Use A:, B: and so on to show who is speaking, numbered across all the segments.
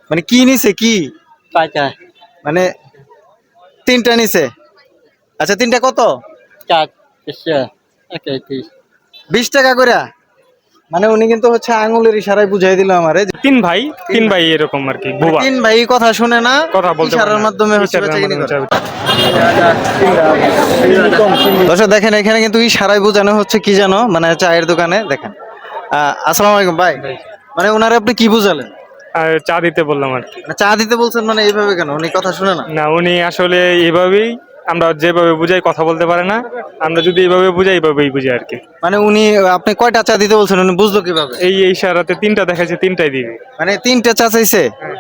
A: মানে কি নিছে কি?
B: পাঁচটা
A: মানে তিনটা নিছে। আচ্ছা তিনটা কত?
B: চার এসে একে
A: 20 টাকা করে। মানে উনি কিন্তু হচ্ছে আঙুলের ইশারায় বুঝাই দিল আমারে যে
C: তিন ভাই, তিন ভাই এরকম আর কি,
A: মানে
C: বোবা,
A: তিন ভাই কথা শুনে না,
C: কথা বলতে পারে
A: ইশারার
C: না,
A: মাধ্যমে হচ্ছে
C: ইশারার
A: বেচাকেনি
C: মাধ্যমে
A: করে।
C: চাবে।
A: দর্শক দেখেন এখানে কিন্তু ইশারায় বোঝানো হচ্ছে কি জানো, মানে চায়ের দোকানে দেখেন। আসসালামু আলাইকুম ভাই। মানে ওনারে আপনি কি বুঝালেন?
C: আর চা দিতে বললাম আর কি।
A: মানে চা দিতে বলছেন, মানে এইভাবে কেন? উনি কথা শুনে না?
C: না, উনি আসলে এইভাবেই, আমরা যেভাবে বুঝাই কথা বলতে পারে না, আমরা যদি এইভাবে বুঝাই এইভাবেই বুঝাই আর কি।
A: মানে উনি, আপনি কয়টা চা দিতে বলছেন, উনি বুঝলো কিভাবে?
C: এই ইশারাতে তিনটা দেখাচ্ছে, তিনটাই দিবি।
A: মানে তিনটা চা চাইছে।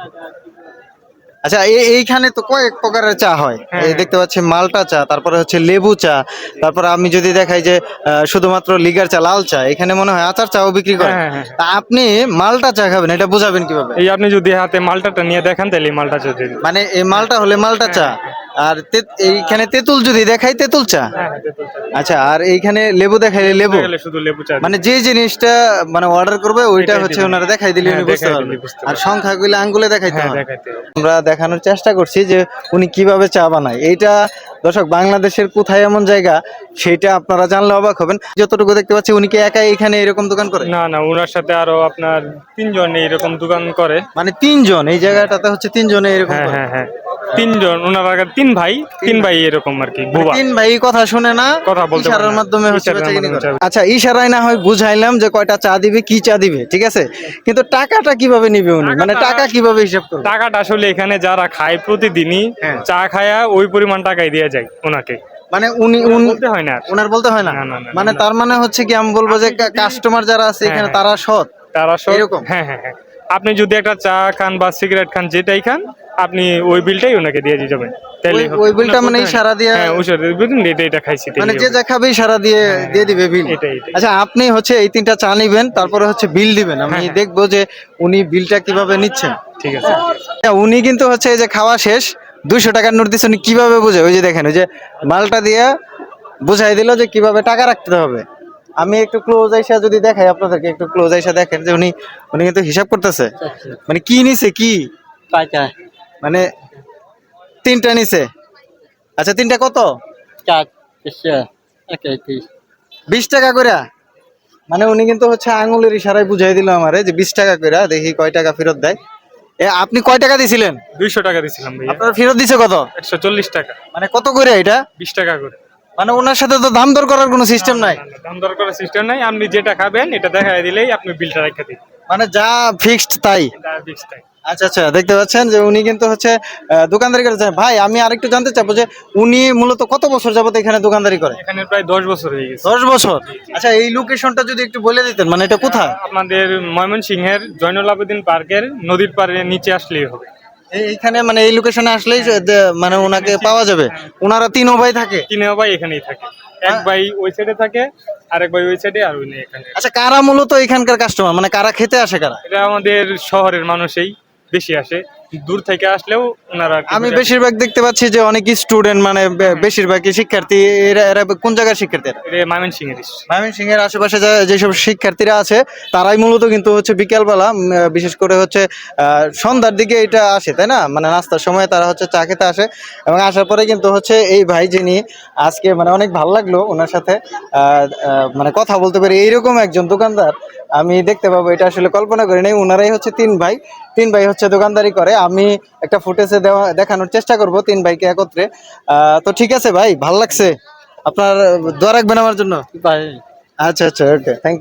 A: আচ্ছা এইখানে তো কয়েক প্রকারের চা হয়।
C: হ্যাঁ,
A: এই দেখতে পাচ্ছি মালটা চা, তারপরে হচ্ছে লেবু চা, তারপরে আমি যদি দেখাই যে শুধুমাত্র লিগার চা, লাল চা, এখানে মনে হয় আচার চাও বিক্রি করে।
C: হ্যাঁ, হ্যাঁ, হ্যাঁ।
A: তা আপনি মালটা চা খাবেন, এটা বুঝাবেন কিভাবে?
C: এই আপনি যদি হাতে মালটাটা নিয়ে দেখান তাহলে এই মালটা চলতে দিবি।
A: মানে এই মালটা হলে মালটা চা, আর এইখানে তেঁতুল যদি দেখাই তেঁতুল চা।
C: হ্যাঁ, হ্যাঁ, তেঁতুল চা।
A: আচ্ছা, আর এইখানে লেবু দেখাইলে লেবু।
C: গেলে শুধু লেবু চা
A: মানে যে জিনিসটা মানে অর্ডার করবে ওইটা
C: এটাই
A: হচ্ছে
C: দিবেন।
A: ওনারা দেখাই দিলে
C: হ্যাঁ,
A: উনি বুঝতে
C: দেখাই
A: পারবে।
C: দিলে বুঝতে
A: আর
C: পারবে।
A: সংখ্যাগুলো আঙ্গুলে দেখাইতে
C: হ্যাঁ,
A: হয়।
C: দেখাইতে হবে।
A: আমরা দেখানোর চেষ্টা করছি যে উনি কিভাবে চা বানায়। এইটা দর্শক বাংলাদেশের কোথায় এমন জায়গা সেটা আপনারা জানলে অবাক হবেন। যতটুকু দেখতে পাচ্ছি উনি কি একাই এখানে এরকম দোকান করে?
C: না না, ওনার সাথে আরো আপনার তিনজন এরকম দোকান করে।
A: মানে তিনজন এই জায়গাটাতে হচ্ছে তিনজনে এরকম
C: হ্যাঁ,
A: করে।
C: হ্যাঁ, হ্যাঁ, তিনজন, ওনার আগে তিন ভাই এরকম আর কি,
A: মানে
C: বোবা,
A: তিন ভাই কথা শুনে না,
C: কথা বলতে পারে
A: ইশারার
C: না,
A: মাধ্যমে হচ্ছে
C: ইশারার
A: বেচাকেনি
C: মাধ্যমে
A: করে।
C: চাবে।
A: আচ্ছা ইশারায় না হয় বুঝাইলাম যে কয়টা চা দিবে, কি চা দিবে, ঠিক আছে, কিন্তু টাকাটা কিভাবে নিবে উনি? মানে টাকা কিভাবে হিসাব করবে?
C: টাকাটা আসলে এখানে যারা খায় প্রতিদিনই
A: হ্যাঁ।
C: চা খায়া ওই পরিমাণ টাকাই দিয়ে যায় ওনাকে,
A: মানে উনি
C: বলতে হয় না আর।
A: ওনার বলতে হয় না।
C: না, না, না,
A: মানে
C: না।
A: তার মানে হচ্ছে কি, আমি বলবো যে কাস্টমার যারা আছে এখানে
C: হ্যাঁ,
A: তারা সৎ।
C: তারা সব,
A: এরকম?
C: হ্যাঁ, হ্যাঁ, হ্যাঁ। আপনি যদি একটা চা খান বা সিগারেট খান, যেটাই খান, আপনি ওই বিলটাই ওনাকে দিয়ে যাবেন, তাইলেই হবে।
A: ওই বিলটা
C: ওনার
A: মানে
C: বলতে হয় না।
A: ইশারা দিয়ে,
C: হ্যাঁ, ওই সাথে বুঝলেন, এটা খাইছি
A: মানে
C: তাইলেই
A: যে
C: হবে।
A: যা খাবে ইশারা দিয়ে দিয়ে দিবে বিল।
C: এটাই।
A: আচ্ছা আপনি হচ্ছে এই তিনটা চা নিবেন, তারপরে হচ্ছে বিল দিবেন, আমি
C: হ্যাঁ, হ্যাঁ।
A: দেখবো যে উনি বিলটা কিভাবে নিচ্ছেন।
C: ঠিক আছে।
A: উনি কিন্তু হচ্ছে এই যে খাওয়া শেষ, 200 টাকার নোট দিচ্ছে, উনি কিভাবে বুঝে? ওই যে দেখেন, ওই যে মালটা দিয়ে বুঝাই দিল যে কিভাবে টাকা রাখতে হবে। আমি একটু ক্লোজ আইসা যদি দেখাই আপনাদেরকে, একটু ক্লোজ আইসা দেখেন যে উনি উনি কিন্তু হিসাব করতেছে। মানে কি নিছে কি?
B: পাঁচটা
A: মানে তিনটা নিছে। আচ্ছা তিনটা কত?
B: চার এসে একে
A: 20 টাকা করে। মানে উনি কিন্তু হচ্ছে আঙুলের ইশারায় বুঝাই দিল আমারে যে 20 টাকা করে, দেখি কয় টাকা ফেরত দেয়। আপনি কয় টাকা দিছিলেন?
C: 200 টাকা দিছিলাম ভাইয়া।
A: আপনার ফেরত দিছে কত?
C: 140 টাকা।
A: মানে কত করে এটা?
C: 20 টাকা করে।
A: মানে ওনার সাথে তো দাম দর করার কোনো সিস্টেম নাই।
C: না, না, দাম দর করার সিস্টেম নাই, আপনি যেটা খাবেন এটা দেখাই দিলেই আপনি বিলটা রেখে দিন।
A: মানে যা ফিক্সড তাই।
C: এটা fixed টাই।
A: আচ্ছা আচ্ছা, দেখতে পাচ্ছেন যে উনি কিন্তু হচ্ছে দোকানদারি করে। ভাই আমি আরেকটু জানতে চাবো যে উনি মূলত কত বছর যাবত এখানে দোকানদারি করে?
C: এখানে প্রায় 10 বছর হয়ে গেছে।
A: 10 বছর। আচ্ছা এই লোকেশনটা যদি একটু বলে দিতেন, মানে এটা কোথায়?
C: আমাদের ময়মনসিংহের জয়নুল আবেদিন পার্কের নদীর পাড়ে নিচে আসলেই হবে।
A: এইখানে মানে এই লোকেশনে আসলেই মানে ওনাকে পাওয়া যাবে। ওনারা তিন ভাই থাকে?
C: তিন ভাই এখানেই থাকে, এক ভাই ওই সাইডে থাকে, আরেক ভাই ওই সাইডে, আর উনি এখানে।
A: আচ্ছা কারা মূলত এখানকার কাস্টমার, মানে কারা খেতে আসে কারা?
C: এটা আমাদের শহরের মানুষই বেশি আসে, দূর থেকে আসলেও ওনারা
A: আমি বেশিরভাগ দেখতে পাচ্ছি যে অনেক স্টুডেন্ট, মানে বেশিরভাগই শিক্ষার্থী। এরা এরা কোন জায়গার শিক্ষার্থী?
C: ময়মনসিংহের।
A: ময়মনসিংহের আশেপাশে যেসব শিক্ষার্থীরা আছে তারাই মূলত কিন্তু হচ্ছে বিকেলবেলা, বিশেষ করে হচ্ছে সন্ধ্যার দিকে এটা আসে, তাই না? মানে নাস্তার সময় তারা হচ্ছে চা খেতে আসে, এবং আসার পরে কিন্তু হচ্ছে এই ভাই, যিনি আজকে মানে অনেক ভালো লাগলো ওনার সাথে মানে কথা বলতে পারি, এইরকম একজন দোকানদার আমি দেখতে পাবো, এটা আসলে কল্পনা করি নাই। ওনারাই হচ্ছে তিন ভাই হচ্ছে দোকানদারি করে। আমি একটা ফুটেজে দেখানোর চেষ্টা করব তিন ভাইকে একত্রে। তো ঠিক আছে ভাই, ভালো লাগছে। আপনার দোয়া রাখবেন আমার জন্য।
B: পাঁচ
A: আচ্ছা আচ্ছা, ওকে, থ্যাংক ইউ।